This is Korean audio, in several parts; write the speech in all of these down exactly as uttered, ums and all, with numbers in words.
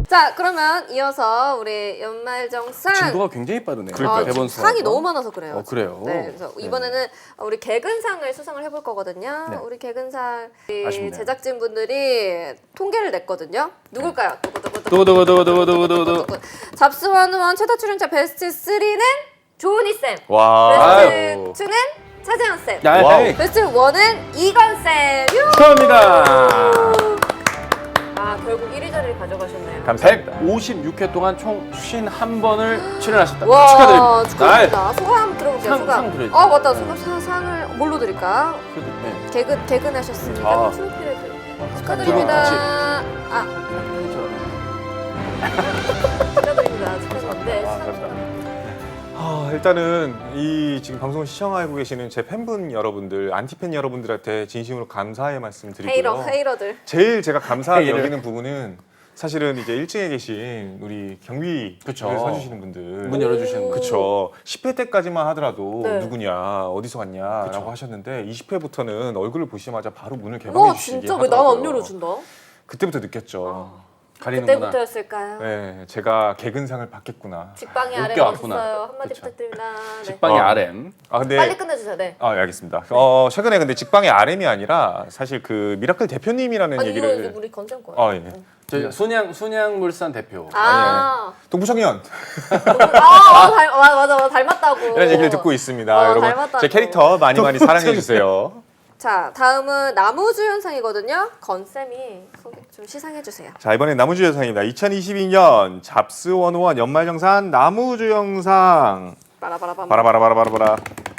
자, 그러면 이어서 우리 연말정산 진도가 굉장히 빠르네요. 아, 대본 상이 수하고. 너무 많아서 그래요. 어, 그래요? 네, 그래서 네. 이번에는 우리 개근상을 수상을 해볼 거거든요. 네. 우리 개근상 우리 아쉽네요. 제작진분들이 통계를 냈거든요. 누굴까요? 두구두구두구두구두구두구. 잡스원원 최다 출연자 베스트 쓰리는 조은희 쌤. 와. 베스트 투는 차재현 쌤. 야, 와우. 헤이. 베스트 원은 이건 쌤. 유! 축하합니다. 아, 결국 일 위 자리를 가져가셨네요. 감사합니다. 백오십육 회 동안 총 오십일 번을 출연하셨다. 와, 축하드립니다. 축하드립니다. 소감 들어볼게요. 상- 소감. 상 드려야죠. 아, 맞다. 소감 사, 상을 뭘로 드릴까? 그래도, 네. 개근 개근하셨으니까 아. 트로피를 드려. 같이. 축하드립니다. 아, 축하드립니다. 축하드립니다. 네, 아, 축하드립니다. 아, 일단은 이 지금 방송을 시청하고 계시는 제 팬분 여러분들, 안티팬 여러분들한테 진심으로 감사의 말씀 드리고요. 헤이러, 헤이러들. 제일 제가 감사하게 헤이러. 여기는 부분은 사실은 이제 일 층에 계신 우리 경위를 그쵸. 서주시는 분들. 문 열어주시는 거. 그쵸. 십 회 때까지만 하더라도 네. 누구냐, 어디서 왔냐라고 그쵸. 하셨는데 이십 회부터는 얼굴을 보시자마자 바로 문을 와, 개방해 주시기 진짜 왜 나는 안 하더라고요. 열어준다? 그때부터 느꼈죠. 가리는구나. 그때부터였을까요? 네, 제가 개근상을 받겠구나. 직방이 웃겨 아래 왔구나. 없어요. 한마디 그쵸. 부탁드립니다. 네. 식빵의 어. 알엠. 아 근데 빨리 끝내주세요. 네. 아, 예, 알겠습니다. 어, 최근에 근데 직방의 알엠이 아니라 사실 그 미라클 대표님이라는 아니 이거 얘기를 이거 우리 건센 거예요. 아, 예. 저희 순양 순양물산 대표. 아, 동부청년 아, 어, 닮, 맞아, 맞아, 맞아, 닮았다고. 이런 얘기를 듣고 있습니다. 어, 여러분 닮았다고. 제 캐릭터 많이 많이 사랑해 주세요. 자, 다음은 나무주연상이거든요. 건쌤이 소개 좀 시상해 주세요. 자, 이번엔 나무주연상입니다. 이천이십이 년 잡스 원오원 연말정산 나무주연상. 빠라바라밤. 바라바라바라바라바라.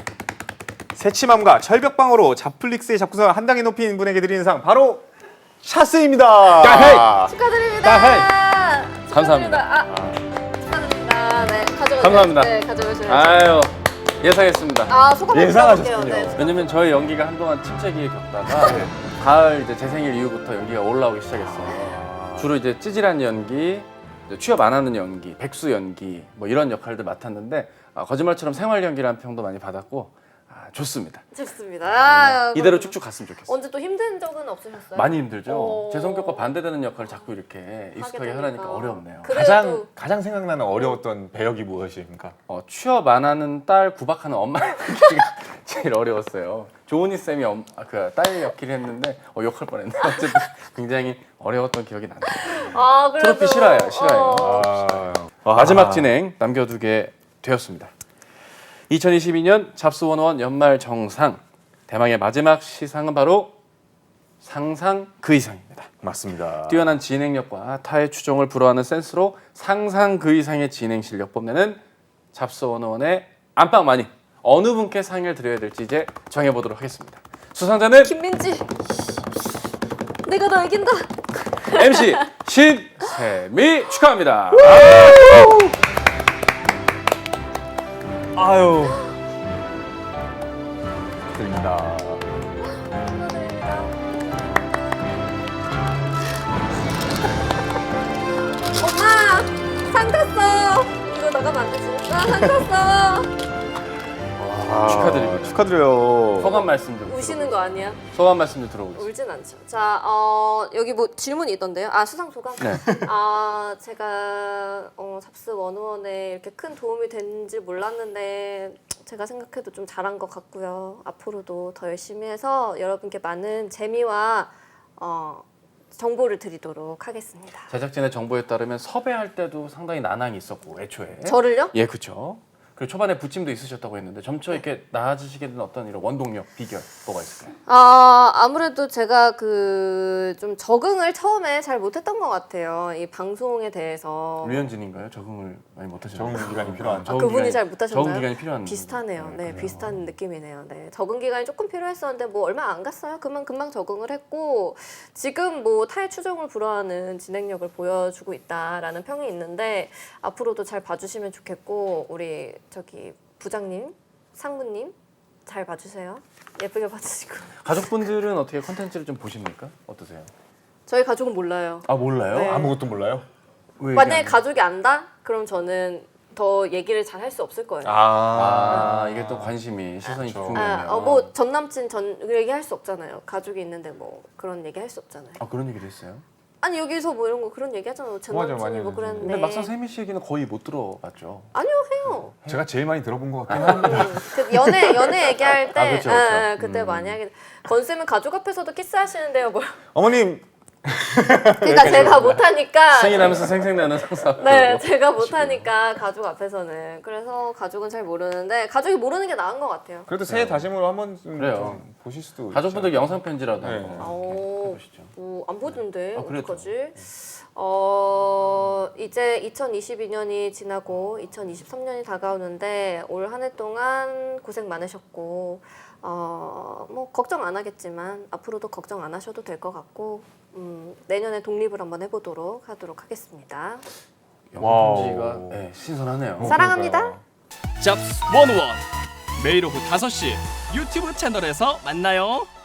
새침함과 철벽방어로 잡플릭스의 잡구성을 한 단계 높인 분에게 드리는 상 바로 샤스입니다. 야헤이! 축하드립니다. 야헤이! 감사합니다. 아, 축하드립니다. 네, 가져가세요. 감사합니다. 네, 가져가셔야죠. 아유 예상했습니다. 아, 소감 한번 예상하셨군요. 들어볼게요. 네. 왜냐면 저희 연기가 한동안 침체기에 겪다가 가을 이제 제 생일 이후부터 연기가 올라오기 시작했어요. 주로 이제 찌질한 연기, 이제 취업 안 하는 연기, 백수 연기 뭐 이런 역할들 맡았는데 아, 거짓말처럼 생활 연기라는 평도 많이 받았고 아, 좋습니다. 좋습니다. 아, 이대로 그럼 쭉쭉 갔으면 좋겠어요. 언제 또 힘든 적은 없으셨어요? 많이 힘들죠. 어. 제 성격과 반대되는 역할을 자꾸 이렇게 익숙하게 되니까. 하라니까 어렵네요. 그래도 가장 가장 생각나는 어려웠던 배역이 무엇입니까? 어, 취업 안 하는 딸 구박하는 엄마 연기가 제일 어려웠어요. 조은희 쌤이 엄, 아, 그 딸 역할을 했는데 어, 욕할 뻔했네. 어쨌든 굉장히 어려웠던 기억이 나네요. 아, 그래도 트로피 싫어요, 싫어요. 어. 아, 마지막 진행 남겨두게 되었습니다. 이천이십이 년 잡스원원 연말 정상 대망의 마지막 시상은 바로 상상 그 이상입니다. 맞습니다. 뛰어난 진행력과 타의 추종을 불허하는 센스로 상상 그 이상의 진행 실력 뽐내는 잡스원원의 안방마님 어느 분께 상을 드려야 될지 이제 정해보도록 하겠습니다. 수상자는 김민지. 내가 너 이긴다. 엠씨 신세미 축하합니다. 아유. 드립니다. 엄마, 상 탔어. 이거 나가면 안 되지. 아, 상 탔어. 아, 축하드립니다. 축하드려요. 소감 말씀 좀 우시는 거 아니야? 소감 말씀 좀 들어보겠습니다. 울진 않죠. 자, 어, 여기 뭐 질문이 있던데요. 아, 수상 소감? 네. 아, 제가 어, 잡스 원오원에 이렇게 큰 도움이 됐는지 몰랐는데 제가 생각해도 좀 잘한 것 같고요. 앞으로도 더 열심히 해서 여러분께 많은 재미와 어, 정보를 드리도록 하겠습니다. 제작진의 정보에 따르면 섭외할 때도 상당히 난항이 있었고 애초에 저를요? 예 그렇죠. 그리고 초반에 부침도 있으셨다고 했는데 점차 이렇게 나아지시게 된 어떤 이런 원동력 비결 뭐가 있을까요? 아, 아무래도 제가 그 좀 적응을 처음에 잘 못했던 것 같아요. 이 방송에 대해서. 류현진인가요? 적응을 많이 못하셨나요? 적응 기간이 필요한. 아, 적응 그분이 기간이- 잘 못하셨나요? 적응 기간이 필요한 비슷하네요. 네, 그래요. 비슷한 느낌이네요. 네, 적응 기간이 조금 필요했었는데 뭐 얼마 안 갔어요. 그만 금방 적응을 했고 지금 뭐 타의 추종을 불허하는 진행력을 보여주고 있다라는 평이 있는데 앞으로도 잘 봐주시면 좋겠고 우리 저기 부장님, 상무님 잘 봐주세요. 예쁘게 봐주시고. 가족분들은 어떻게 컨텐츠를 좀 보십니까? 어떠세요? 저희 가족은 몰라요. 아 몰라요? 네. 아무것도 몰라요? 왜 만약에 얘기 안 해요? 가족이 안다? 그럼 저는 더 얘기를 잘 할 수 없을 거예요. 아 이게 또 관심이 시선이 그렇죠. 집중되면 아, 어, 뭐 전 남친 전 얘기 할 수 없잖아요. 가족이 있는데 뭐 그런 얘기 할 수 없잖아요. 아 그런 얘기도 있어요? 아니 여기서 뭐 이런 거 그런 얘기 하잖아요. 전 맞아요, 남친이 많이 뭐 하죠. 그랬는데. 근데 막상 세미 씨 얘기는 거의 못 들어봤죠. 아니요 해요. 제가 제일 많이 들어본 것 같긴 합니다. 음, 그 연애 연애 얘기할 때 아, 그쵸, 그쵸. 아, 그때 음. 많이 하게. 건쌤은 가족 앞에서도 키스하시는데요, 뭘? 어머님 그러니까 제가 못하니까. 생일하면서 생생나는 상상. 네, 제가 못하니까 가족 앞에서는. 그래서 가족은 잘 모르는데 가족이 모르는 게 나은 것 같아요. 그래도 새해 다짐으로 한번 좀 그래요. 보실 수도 가족분들 영상 편지라도 네. 한번 오, 해보시죠. 오, 안 보던데 아, 그래도. 어떡하지? 어 이제 이천이십이 년이 지나고 이천이십삼 년이 다가오는데 올 한 해 동안 고생 많으셨고 어 뭐 걱정 안 하겠지만 앞으로도 걱정 안 하셔도 될 것 같고 음, 내년에 독립을 한번 해보도록 하도록 하겠습니다. 영상 편지가 와우. 네, 신선하네요. 사랑합니다. 잡스 원원 매일 오후 다섯 시 유튜브 채널에서 만나요.